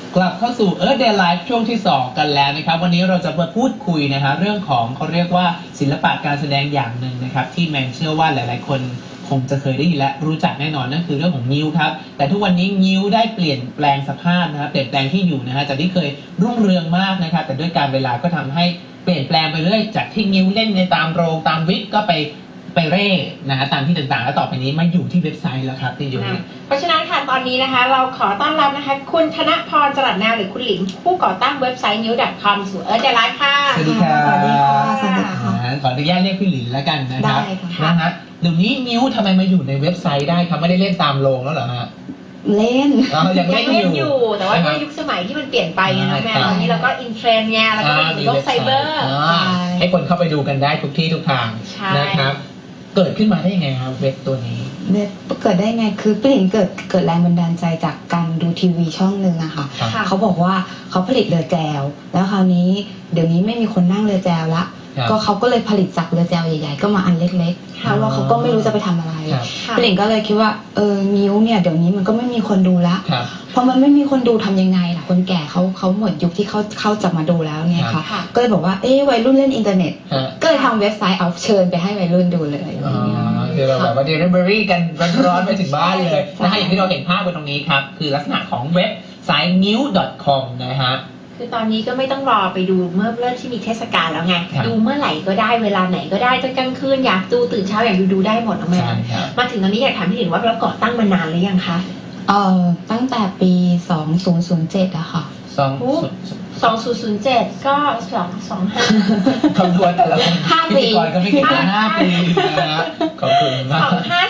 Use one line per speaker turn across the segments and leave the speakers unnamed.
กลับเข้าสู่ Earth Day Live ช่วงที่ 2 กันแล้วนะครับวันนี้เราจะมาพูดคุยนะฮะเรื่องของเขาเรียกว่าศิลปะการแสดงอย่างหนึ่งนะครับที่แมนเชื่อว่าหลายๆคนคงจะเคยได้ยินและรู้จักแน่นอนนั่นคือเรื่องของงิ้วครับแต่ทุกวันนี้งิ้วได้เปลี่ยนแปลงสภาพนะครับเปลี่ยนแปลงที่อยู่นะฮะจากที่เคยรุ่งเรืองมากนะครับแต่ด้วยการเวลาก็ทำให้เปลี่ยนแปลงไปเรื่อยจากที่งิ้วเล่นในตามโรงตามวิกก็ไปเร่นะฮะตามที่ต่างๆแล้วต่อไปนี้มาอยู่ที่เว็บไซต์แล้วครับที่อยู่
เพราะฉะนั้นค่ะตอนนี้นะคะเราขอต้อนรับนะคะคุณธนพรจรัสแนวหรือคุณหลิมผู้ก่อตั้งเว็บไซต์ new.com สู่ Earth Day Live ค่ะ
สวัสดีค่ะ
สวัสดีค่ะสวัสดีค่ะ
ขออนุญาตเรียกพี่หลินแล้วกันนะครับ
ได้ค่ะ
นะฮะเดี๋ยวนี้งิ้วทำไมมาอยู่ในเว็บไซต์ได้ครับไม่ได้เล่นตามโรงแล้วเหรอฮะ
เล่น
ยังเล่นอยู่
แต่ว่าด้วยยุคสมัยที่มันเปลี่ยนไปไงน้องแม่ตอนนี้เราก็อินเทรนด์ไงแล้วก็มีโลกไซเบอร์
ให้คนเข้าไปดูกันได้ทุกที่ทุกทางนะครับเกิดขึ้นมาได้ยังไงครับเว็บตัวนี้
เว็บเกิดได้ไงคือพี่หลิงเกิดแรงบันดาลใจจากการดูทีวีช่องหนึ่งอะค่ะเขาบอกว่าเขาผลิตเรือแจวแล้วคราวนี้เดี๋ยวนี้ไม่มีคนนั่งเรือแจวละก็เขาก็เลยผลิตจากเรือแจวใหญ่ๆก็มาอันเล็กๆเพราะว่าเขาก็ไม่รู้จะไปทำอะไรพี่หลิงก็เลยคิดว่านิ้วเนี่ยเดี๋ยวนี้มันก็ไม่มีคนดูละพอมันไม่มีคนดูทำยังไงล่ะคนแก่เขาหมดยุคที่เขาจะมาดูแล้วเนี่ยค่ะก็เลยบอกว่าวัยรุ่นเล่นอินเทอร์เน็ตก็เลยทำเว็บไซต์เอาเชิญไปให้วัยรุ่นดูเลย
คือเราแบบว่า delivery กันร้อนๆไปถึงบ้านเลยนะฮะอย่างที่เราเห็นภาพบนตรงนี้ครับคือลักษณะของเว็บไซต์ new.com นะฮะ
คือตอนนี้ก็ไม่ต้องรอไปดูเมื่อเริ่มที่มีเทศกาลแล้วไงดูเมื่อไหร่ก็ได้เวลาไหนก็ได้จนกลางคืนอยากดูตื่นเช้าอยากดูได้หมดนะแม่มาถึงตอนนี้อยากถามพี่หลินว่าเราก่อตั้งมานานหรือยังคะ
ตั้งแต่ปี2007อะค่ะ
2007ก็25
คำนวณแต่ละคน
5 ปี
ก็ไม่เกิน5 ปีนะครับขอบคุณมาก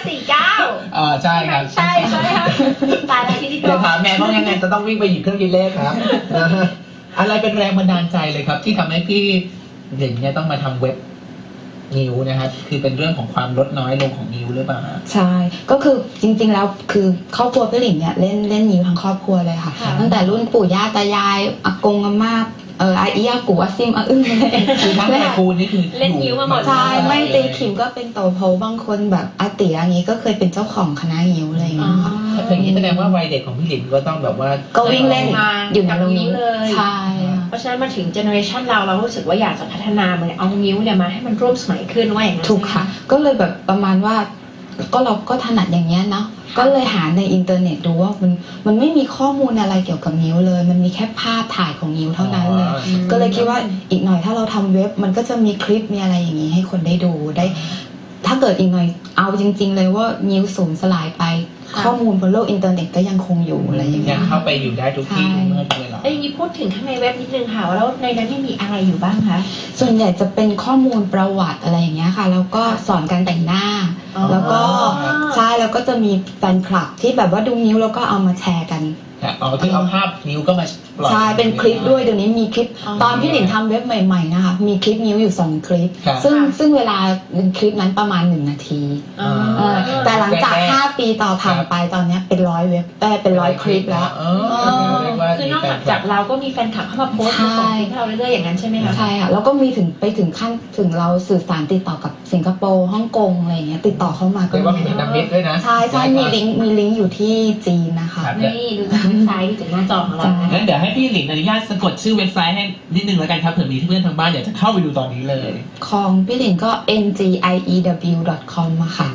2549
ใช่ครับ
ใช่ค่ะตายแล้วที่นี่ก็
ถามแม่ว่ายังไงจะต้องวิ่งไปหยิบเครื่องคิดเลขครับอะไรเป็นแรงบันดาลใจเลยครับที่ทำให้พี่หลิงเนี่ยต้องมาทำเว็บนิ้วนะครับคือเป็นเรื่องของความลดน้อยลงของนิ้วหรือเปล่า
ใช่ก็คือจริงๆแล้วคือครอบครัวพี่หลิงเนี่ยเล่นนิ้วทั้งครอบครัวเลยค่ะตั้งแต่รุ่นปู่ย่าตายายอากงอาม่าอาอียากูอาซิมอาอึ้งเลย
คือทั้งตระกูลนี่คือ
เล่นนิ้วมาหมด
ใช่ไม่ตีขิมก็เป็นโตโพบางคนแบบอาเตี๋ยอย่างนี้ก็เคยเป็นเจ้าของคณะนิ้วอะไรอย่างเงี้ยค่ะ
อย่างนี้แสดงว่าวัยเด็กของพี่หลิงก็ต้องแบบว่า
ก็วิ่งเล่นอยู่ในโรงนิ้ว
เลย
ใช่
เพราะฉะนั้นมาถึงเจเนอเรชันเรารู้สึกว่าอยากจะพัฒนามันเอานิ้วเนี่ยมาให้มันร่วมสมัยขึ้นว่าอย่างนั้น
ถูกค่ะก็เลยแบบประมาณว่าก็เราก็ถนัดอย่างเงี้ยเนาะก็เลยหาในอินเทอร์เน็ตดูว่ามันไม่มีข้อมูลอะไรเกี่ยวกับนิ้วเลยมันมีแค่ภาพถ่ายของนิ้วเท่านั้นเลยก็เลยคิดว่าอีกหน่อยถ้าเราทำเว็บมันก็จะมีคลิปมีอะไรอย่างนี้ให้คนได้ดูได้ถ้าเกิดอีกหน่อยเอาจริงๆเลยว่านิ้วสูญสลายไปข้อมูลบนโลกอินเทอร์เน็ตก็ยังคงอยู่อะไรอย่างเงี้ย
เข้าไปอยู่ได้ทุกที่เมื่อเวลา
อย่างนี้พูดถึงข้างในเว็บนิดนึงค่ะแล้วในนั้นมีอะไรอยู่บ้างคะ
ส่วนใหญ่จะเป็นข้อมูลประวัติอะไรอย่างเงี้ยค่ะแล้วก็สอนการแต่งหน้าแล้วก็ใช่แล้วก็จะมีแฟนคลับที่แบบว่าดูนิ้วแล้วก็เอามาแชร์กัน
ที่เอาภาพนิ้วก็มาปล่อย
ใช่เป็นคลิปด้วยเดี๋ยวนี้มีคลิปตอนพี่หลินทำเว็บใหม่ๆนะคะมีคลิปนิ้วอยู่2คลิปซึ่งเวลาคลิปนั้นประมาณ1 นาทีแต่หลังจาก5 ปีต่อผ่านไปตอนนี้เป็น100 เว็บเป็น100 คลิปแล้ว
คือนอกจากเราก็มีแฟนคลับเข้ามาโพสต์มาส่งคลิปให้เราเรื่อยๆอย่างนั้นใช่ไหมคะ
ใช่ค่ะแล้วก็มีไปถึงขั้นถึงเราสื่อสารติดต่อกับสิงคโปร์ฮ่องกงอะไรอย่างเงี้ยติดต่อเข้ามาก็
มีเป็นนักเว็บด้วยนะ
ใช่มีลิงก์อยู่ที่จีนนะคะ
นี่ดูจากเว็บไซต์จากหน้าจอของเรา
งั้นเดี๋ยวให้พี่หลิงอนุญาตสะกดชื่อเว็บไซต์ให้นิดนึงแล้วกันครับเผื่อมีเพื่อนทางบ้านอยากจะเข้าไปดูตอนนี้เลย
ของพี่หลิงก็ ngiew.com อะค่ะ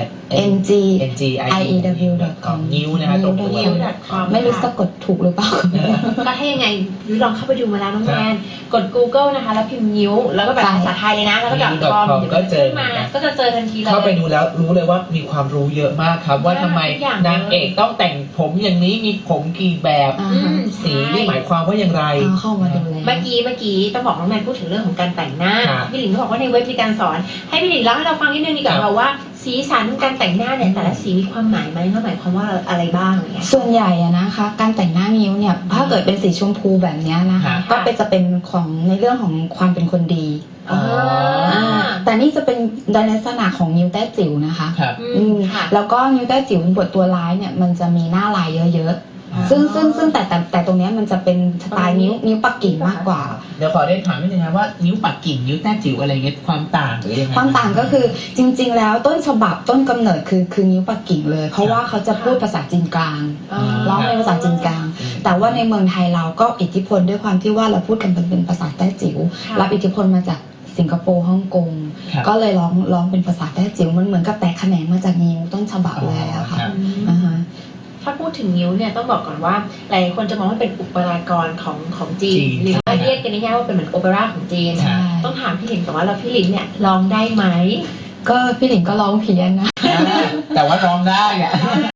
ngiew.com
นิ้วนะครับตรงตัว
ไม่รู้สะกดถูกหรือเปล่า
ก็ให้ยังไงลองเข้าไปดูมาแล้วน้องแมนกด Google นะคะแล้วพิมพ์นิ้วแล้วก็แบบภาษาไทยเลยนะแล้วก็.com
ก็เจอ
มาก็จะเจอทันทีเลย
เข้าไปดูแล้วรู้เลยว่ามีความรู้เยอะมากครับว่าทำไมนางเอกต้องแต่งผมอย่างนี้มีผมกี่แบบสีนี่หมายความว่าอย่างไร
เข้ามาดูเลย
เมื่อกี้ต้องบอกน้องแมนพูดถึงเรื่องของการแต่งหน้าพี่หลินก็บอกว่าในเว็บมีการสอนให้พี่หลินเล่าให้เราฟังนิดนึงดีกว่าว่าสีสันการแต่งหน้าเนี่ยแต่ละสีมีความหมายไหมหมายความว่าอะไรบ้างเนี่ย
ส่วนใหญ่นะคะการแต่งหน้านิ้วเนี่ยถ้าเกิดเป็นสีชมพูแบบนี้นะคะก็จะเป็นของในเรื่องของความเป็นคนดีแต่นี่จะเป็นในลักษณะของนิ้วแต้จิ๋วนะคะแล้วก็นิ้วแต้จิ๋วบทตัวร้ายเนี่ยมันจะมีหน้าลายเยอะซึ่งแต่ตรงเนี้ยมันจะเป็นสไตล์นิ้วปักกิ่งมากกว่า
เดี๋ยวขอได้ถามนิดนึงนะว่านิ้วปักกิ่งนิ้วแต้จิ๋วอะไรเงี้ยความต่างหรือยังไง
ความต่างก็คือจริง ๆ แล้วต้นฉบับต้นกำเนิดคือนิ้วปักกิ่งเลย เพราะว่าเขาจะพูดภาษาจีนกลาง ร้องเป็นภาษาจีนกลาง แต่ว่าในเมืองไทยเราก็อิทธิพลด้วยความที่ว่าเราพูดกันเป็นภาษาแต้จิ๋วรับอิทธิพลมาจากสิงคโปร์ฮ่องกงก็เลยร้องเป็นภาษาแต้จิ๋วมันเหมือนกับแตกแขนงมาจากนิ้วต้นฉบับเลยอะค่ะอ่าฮะ
ถ้าพูดถึงนิ้วเนี่ยต้องบอกก่อนว่าหลายคนจะมองว่าเป็นอุปกรณ์ของจีนหรือว่าเรียกกันง่ายๆว่าเป็นเหมือนโอเปร่าของจีนต้องถามพี่หลินก่อนว่าเราพี่หลินเนี่ยร้องได้ไหม
ก็พี่หลินก็ร้องเพี้ยนนะ
แต่ว่าร้องได้อะ